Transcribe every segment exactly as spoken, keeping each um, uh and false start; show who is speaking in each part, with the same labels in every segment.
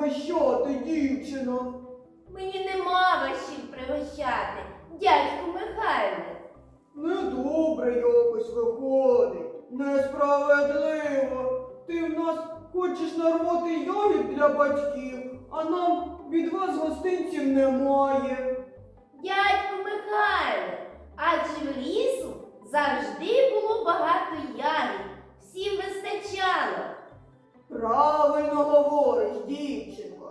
Speaker 1: пригощати, дівчино?
Speaker 2: Мені нема вашів пригощати, дядьку Михайле.
Speaker 1: Недобре якось виходить, несправедливо. Ти в нас хочеш нарвати ягід для батьків, а нам від вас гостинців немає.
Speaker 2: Дядьку Михайле, адже в лісу завжди було багато ягід, всім вистачало.
Speaker 1: Правильно говориш, дівчинко.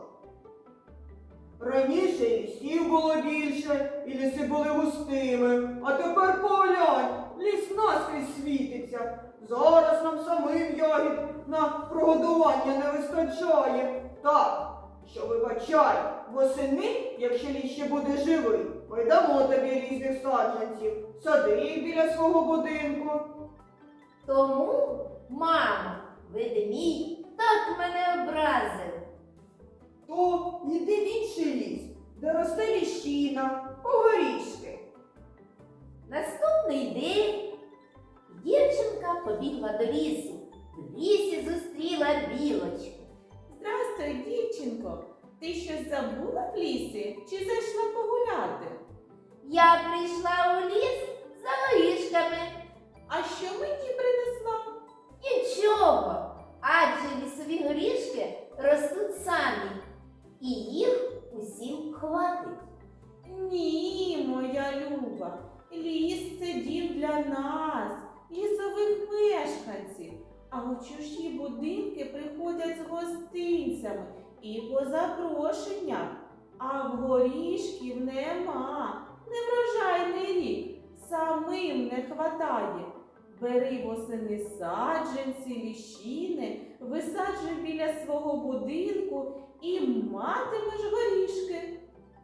Speaker 1: Раніше лісів було більше, і ліси були густими, а тепер поглянь, ліс наскрізь світиться. Зараз нам самим ягід на прогодування не вистачає. Так, що вибачай, восени, якщо ліс ще буде живий, ми дамо тобі різних саджанців, сади їх біля свого будинку.
Speaker 2: Тому, мамо, ведмідь так мене образив.
Speaker 1: То йди в інший ліс, де росте ліщина, огорішки.
Speaker 2: Наступний день дівчинка побігла до лісу. В лісі зустріла білочку.
Speaker 3: Здрастуй, дівчинко. Ти щось забула в лісі чи зайшла погуляти?
Speaker 2: Я прийшла у ліс за горішками.
Speaker 3: А що мені принесла?
Speaker 2: Нічого, адже лісові горішки ростуть самі, і їх усім хватить.
Speaker 3: Ні, моя люба. Ліс – це дім для нас, лісових мешканців. А у чужі будинки приходять з гостинцями і по запрошенням. А в горішків нема. Неврожайний рік. Самим не хватає. Бери восени саджанці, ліщини, висаджуй біля свого будинку і матимеш горішки.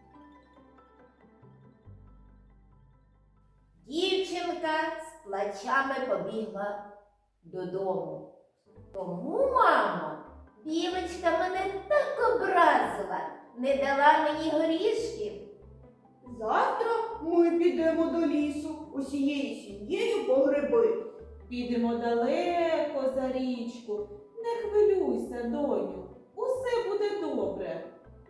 Speaker 2: Дівчинка з плачами побігла додому. Тому, мамо, білочка мене так образила, не дала мені горішків.
Speaker 1: Завтра ми підемо до лісу усією сім'єю по гриби.
Speaker 3: Підемо далеко за річку. Не хвилюйся, доню. Усе буде добре.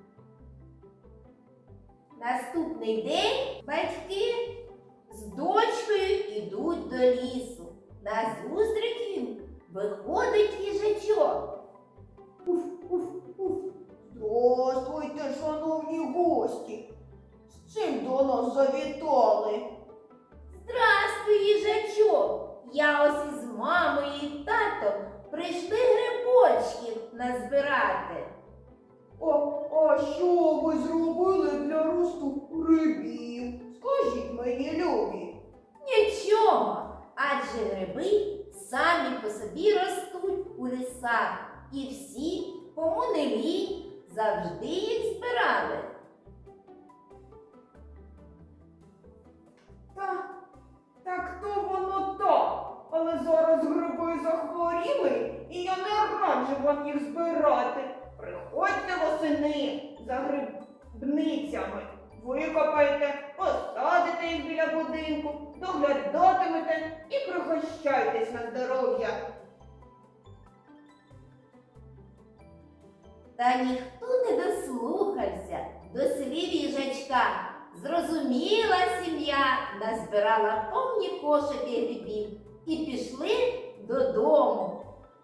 Speaker 2: Наступний день батьки з дочкою йдуть до лісу. Назустріч їм виходить їжачок.
Speaker 1: Уф, уф, уф. Здравствуйте, шановні гості. З чим до нас завітали?
Speaker 2: Здрастуй, їжачок! Я ось із мамою і татом прийшли грибочків назбирати.
Speaker 1: А, а що ви зробили для росту грибів? Скажіть мені, любі.
Speaker 2: Нічого, адже гриби самі по собі ростуть у лісах. І всі, кому не лінь, завжди їх збирали.
Speaker 1: Та, так то воно так. Але зараз гриби захворіли, і я не раджу вам їх збирати. Приходьте восени за грибницями. Викопайте, посадите їх біля будинку, доглядатимете і пригощайтесь на здоров'я.
Speaker 2: Та ніхто не дослухався до слів їжачка. Зрозуміла сім'я, назбирала повні кошики грибів і пішли додому.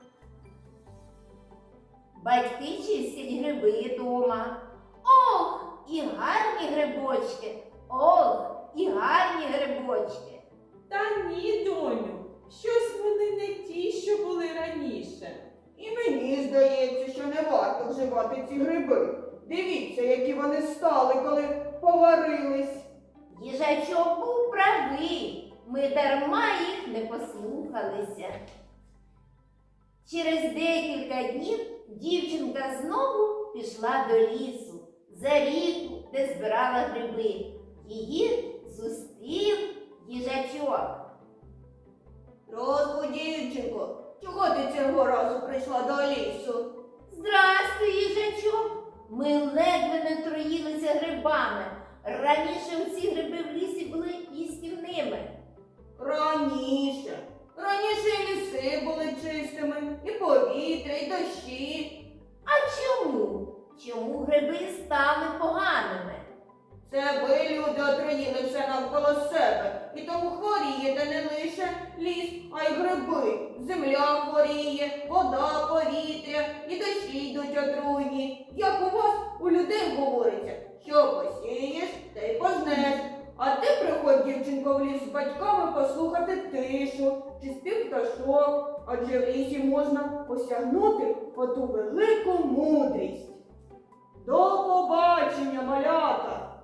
Speaker 2: Батьки чистять гриби дома. Ох, і гарні грибочки! Ох, і гарні грибочки!
Speaker 3: Та ні, доню, щось вони не ті, що були раніше.
Speaker 1: І мені здається, що не варто вживати ці гриби. Дивіться, які вони стали, коли поварились.
Speaker 2: Їжачок був правий, ми дарма їх не послухалися. Через декілька днів дівчинка знову пішла до лісу, за ріку, де збирала гриби. Її зустрів їжачок.
Speaker 1: Здравствуй, дівчинко, чого ти цього разу прийшла до лісу?
Speaker 2: Здрастуй, їжачок! Ми ледве не троїлися грибами. Раніше усі гриби в лісі були їстівними.
Speaker 1: Раніше. Раніше і ліси були чистими, і повітря, і дощі.
Speaker 2: А чому? Чому гриби стали поганими.
Speaker 1: Це ви, люди, отруїли все навколо себе. І тому хворієте не лише ліс, а й гриби. Земля хворіє, вода, повітря, і дощі йдуть отруйні. Як у вас, у людей говориться, що посієш, те й пожнеш. А ти приходь, дівчинко, в ліс з батьками послухати тишу чи спів пташок, адже в лісі можна осягнути оту велику мудрість. До побачення, малята!